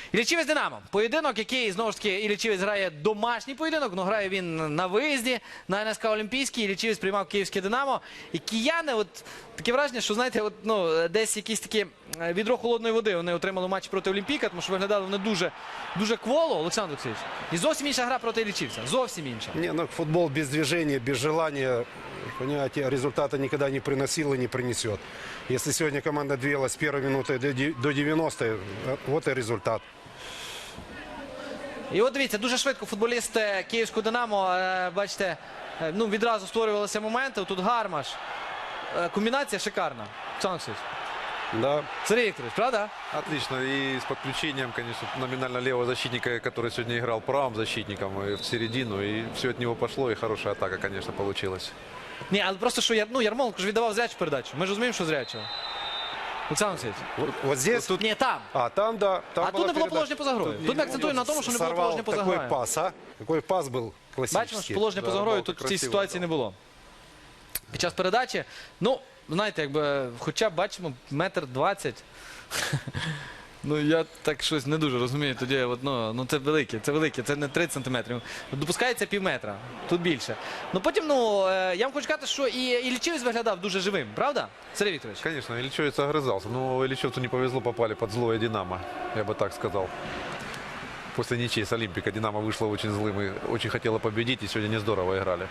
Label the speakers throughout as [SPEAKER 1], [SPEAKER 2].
[SPEAKER 1] Іллічівець Динамо. Поєдинок, який, знову ж таки, Іллічівець грає домашній поєдинок, але грає він на виїзді, на НСК Олімпійський. Іллічівець приймав київське Динамо. І кияни, от таке враження, що, знаєте, от, ну, десь якісь такі відро холодної води вони отримали в матчі проти Олімпійка, тому що виглядали вони дуже кволо, Олександр Олексійович. І зовсім інша гра проти Іллічівця. Зовсім інша.
[SPEAKER 2] Не, ну футбол без движения, без желания, понимаете, результата никогда не приносил и не принесет. Если сегодня команда двигалась с первой минуты до 90-й, вот и результат.
[SPEAKER 1] І от дивіться, дуже швидко футболіст київського Динамо, бачите, ну, відразу створювалися моменти. Тут Гармаш. Комбінація шикарна. Олександр Олексійович.
[SPEAKER 2] Да.
[SPEAKER 1] Сергій Вікторович, правда?
[SPEAKER 3] Отлично. И с подключением, конечно, номинально левого защитника, который сегодня играл правым защитником, и в середину. И все от него пошло, и хорошая атака, конечно, получилась.
[SPEAKER 1] Ні, але просто, що Ярмоленко ж віддавав зрячу передачу. Ми ж розуміємо, що зрячого. Олександр Олексійович.
[SPEAKER 2] Вот здесь...
[SPEAKER 1] Ні, там.
[SPEAKER 2] А, там, да. Там
[SPEAKER 1] А тут не було положення поза грою. Тут ми акцентуємо на тому, що не було положення поза
[SPEAKER 2] Какой
[SPEAKER 1] грою.
[SPEAKER 2] пас, а? Какой пас был классический.
[SPEAKER 1] Бачимо, що положення поза
[SPEAKER 3] Да,
[SPEAKER 1] грою
[SPEAKER 3] Балта
[SPEAKER 1] тут в цій
[SPEAKER 3] красиво
[SPEAKER 1] ситуації не було. Під час передачі, ну, знаєте, якби, хоча б бачимо, 1,20 м. Ну, я так щось не дуже розумію. Тоді, от, ну, це велике, це не 30 сантиметрів. Допускається півметра, тут більше. Ну, потім, ну, я вам хочу сказати, що і Іллічівець виглядав дуже живим, правда, Сергій Вікторович?
[SPEAKER 3] Конечно, Ильичевец огрызался. Но Ильичевцу не повезло, попали под злое «Динамо». Я бы так сказал. После ничьей с Олимпика «Динамо» вышло очень злым и очень хотело победить. И сегодня не здорово играли.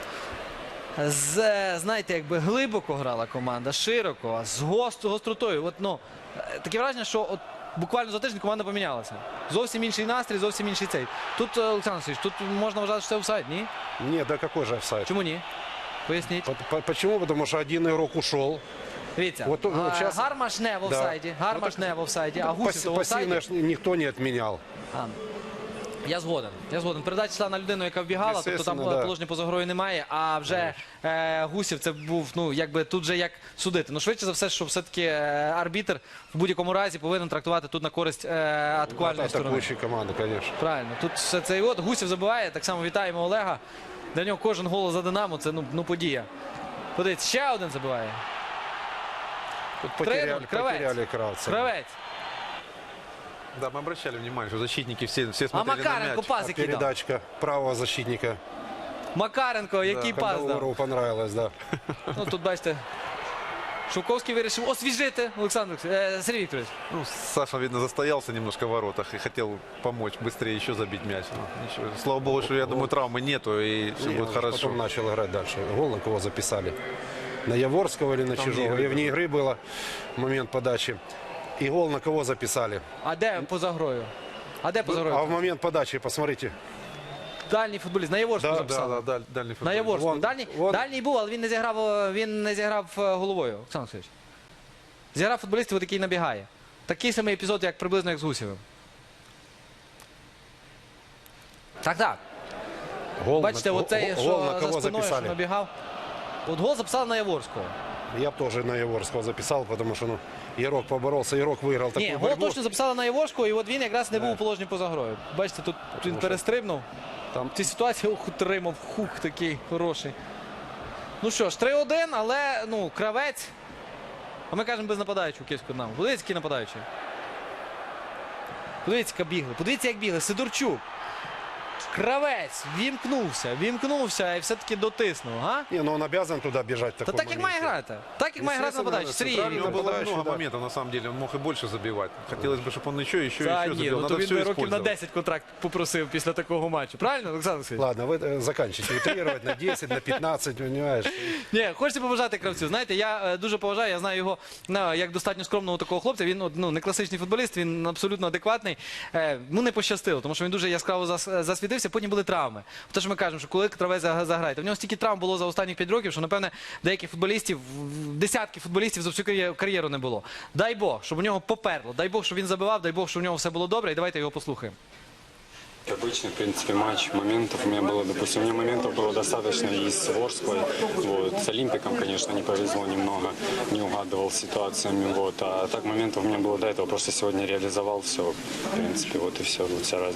[SPEAKER 1] Знаєте, якби глибоко грала команда, широко, з гостротою. От, ну, таке враження, що от буквально за тиждень команда помінялася. Зовсім інший настрій, зовсім інший цей. Тут, Олександр Олексійович, тут можна вважати, що це офсайд, ні?
[SPEAKER 2] Нет, да какой же офсайд?
[SPEAKER 1] Чому ні? Поясніть.
[SPEAKER 2] Почему? Потому что один игрок ушел.
[SPEAKER 1] Дивіться,
[SPEAKER 2] От щас-
[SPEAKER 1] Гармаш не в офсайді, Гармаш не в офсайді, а Гусів то в
[SPEAKER 2] Пассивно
[SPEAKER 1] офсайді.
[SPEAKER 2] никто не отменял.
[SPEAKER 1] Я згоден. Передача йшла на людину, яка вбігала, тобто там
[SPEAKER 2] Естественно, да.
[SPEAKER 1] положення поза грою немає, а вже Гусів це був, ну, якби тут же як судити. Ну, швидше за все, що все-таки арбітр в будь-якому разі повинен трактувати тут на користь атакувальної сторони.
[SPEAKER 2] Атакующая команда, конечно.
[SPEAKER 1] Правильно. Тут все це і от Гусів забиває, так само вітаємо Олега. Для нього кожен гол за Динамо, це ну подія. Подивіться, ще один забиває.
[SPEAKER 2] Тут
[SPEAKER 1] 3-0,
[SPEAKER 2] потеряли Кравца.
[SPEAKER 1] Кравець.
[SPEAKER 3] Да, мы обращали внимание, что защитники все смотрели на
[SPEAKER 1] Макаренко
[SPEAKER 3] мяч.
[SPEAKER 1] пас який дав.
[SPEAKER 2] Передачка правого защитника.
[SPEAKER 1] Макаренко, який пас дав.
[SPEAKER 2] Кандалору понравилось, да.
[SPEAKER 1] Ну, тут, бачите, Шовковський вирішив освіжити Олександр Сергій Вікторович.
[SPEAKER 3] Ну, Саша, видно, застоялся немножко в воротах и хотел помочь быстрее еще забить мяч. Ну, ничего. Слава богу, что, я думаю, травмы нету и все
[SPEAKER 2] Не,
[SPEAKER 3] будет
[SPEAKER 2] он
[SPEAKER 3] хорошо.
[SPEAKER 2] Потом начал играть дальше. Гол на кого записали? На Яворского или на
[SPEAKER 3] Там
[SPEAKER 2] Чижова?
[SPEAKER 3] вне игры
[SPEAKER 2] И вне игры было момент подачи. И гол на кого записали?
[SPEAKER 1] А де поза грою? А де поза
[SPEAKER 2] А в
[SPEAKER 1] грою?
[SPEAKER 2] момент подачи, посмотрите.
[SPEAKER 1] Дальній футболіст. На Яворську
[SPEAKER 2] Да,
[SPEAKER 1] записали.
[SPEAKER 3] Да, дальний
[SPEAKER 1] На
[SPEAKER 3] футбол.
[SPEAKER 1] Яворську.
[SPEAKER 2] Вон, вон.
[SPEAKER 1] Дальній був, але він не зіграв головою, Олександр Олексійович. Зіграв футболістів, який набігає. Такий самий епізод, як приблизно як з Гусєвим. Так.
[SPEAKER 2] Гол
[SPEAKER 1] Бачите,
[SPEAKER 2] на,
[SPEAKER 1] оцей,
[SPEAKER 2] гол
[SPEAKER 1] що
[SPEAKER 2] на
[SPEAKER 1] за
[SPEAKER 2] кого
[SPEAKER 1] спиною, що
[SPEAKER 2] записали?
[SPEAKER 1] набігав. От гол записали на Яворського.
[SPEAKER 2] Я бы тоже на Яворского записал, потому что Ярок поборолся, Ярок выиграл
[SPEAKER 1] Ні,
[SPEAKER 2] такую
[SPEAKER 1] гол
[SPEAKER 2] борьбу.
[SPEAKER 1] точно записали на Яворського, і от він якраз не був у положенні поза грою. Бачите, тут він
[SPEAKER 2] що
[SPEAKER 1] перестрибнув.
[SPEAKER 2] там-
[SPEAKER 1] В цій ситуації отримав хук такий хороший. Ну що ж, 3-1, але, ну, Кравець. А ми кажемо без нападаючого київського Динамо. Подивіться, який нападаючий. Подивіться, як бігли. Подивіться, як бігли. Сидорчук. Кравець вімкнувся і все-таки дотиснув. А?
[SPEAKER 2] Не, но он обязан туда бежать в
[SPEAKER 1] Та
[SPEAKER 2] таком
[SPEAKER 1] так, як має
[SPEAKER 2] моменте.
[SPEAKER 1] грати. Так, як має грати нападаючий. Сергій
[SPEAKER 3] У него
[SPEAKER 1] Вікторович.
[SPEAKER 3] было
[SPEAKER 2] Нападающий,
[SPEAKER 3] много
[SPEAKER 2] да.
[SPEAKER 3] моментов, на самом деле. Он мог и больше забивать. Хотелось бы, чтобы он еще
[SPEAKER 1] Та ні,
[SPEAKER 3] забил.
[SPEAKER 1] ну то
[SPEAKER 3] Надо
[SPEAKER 1] він
[SPEAKER 3] все
[SPEAKER 1] би років на
[SPEAKER 3] использовать.
[SPEAKER 1] 10 контракт попросив після такого матчу. Правильно, Олександр Олексійович?
[SPEAKER 2] Ладно, вы заканчивайте утрировать на 10, на 15, понимаешь?
[SPEAKER 1] Ні, хочеться побажати Кравцю. Знаєте, я дуже поважаю, я знаю його як достатньо скромного такого хлопця. Він ну, не класичний футболіст, він абсолютно адекватний. Йому не пощастило, тому що він дуже яскраво засвітився, потім були травми. Те, що ми кажемо, що коли Кравець заграє, то в нього стільки травм було за останні 5 років, що, напевне, деяких футболістів, десятки футболістів за всю кар'єру не було. Дай Бог, щоб у нього поперло, дай Бог, щоб він забивав, дай Бог, щоб у нього все було добре, і давайте його послухаємо.
[SPEAKER 4] Обычный, в принципе, матч. Моментов у меня было, допустим, у меня моментов было достаточно и с Ворской. Вот. С Олимпиком, конечно, не повезло немного, не угадывал с ситуациями. Вот. А так моментов у меня было до этого. Просто сегодня реализовал все. В принципе, вот и все. Вот вся разница.